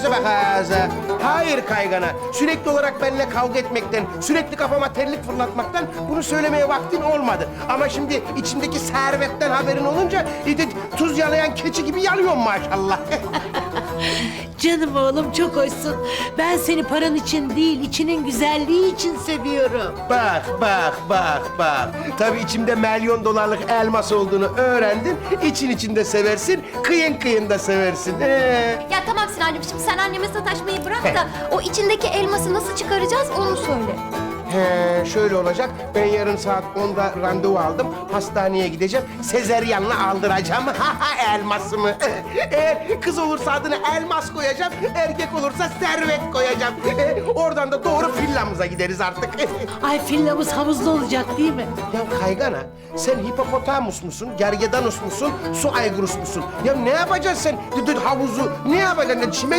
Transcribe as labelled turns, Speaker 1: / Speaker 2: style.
Speaker 1: ağza bak ağza. Hayır kaygana. Sürekli olarak benimle kavga etmekten, sürekli kafama terlik fırlatmaktan bunu söylemeye vaktin olmadı. Ama şimdi içimdeki servetten haberin olunca tuz yalayan keçi gibi yalıyorum maşallah.
Speaker 2: Canım oğlum çok hoşsun. Ben seni paran için değil, içinin güzelliği için seviyorum.
Speaker 1: Bak. Tabii içimde milyon dolarlık elmas olduğunu öğrendin. İçin içinde seversin, kıyın da seversin.
Speaker 3: Ya tamam Sinancığım, şimdi sen anneme sataşmayı bırak da o içindeki elması nasıl çıkaracağız onu söyle.
Speaker 1: Şöyle olacak. Ben yarın saat 10'da randevu aldım. Hastaneye gideceğim. Sezeryanla aldıracağım elmasımı. Eğer kız olursa adını Elmas koyacağım. Erkek olursa Servet koyacağım. Oradan da doğru villamıza gideriz artık.
Speaker 2: Ay fillamız havuzda olacak değil mi?
Speaker 1: Ya kaygana, sen hipopotamus musun, gergedanus musun, su aygırus musun? Ya ne yapacaksın sen havuzu? Ne yapacaksın? Çime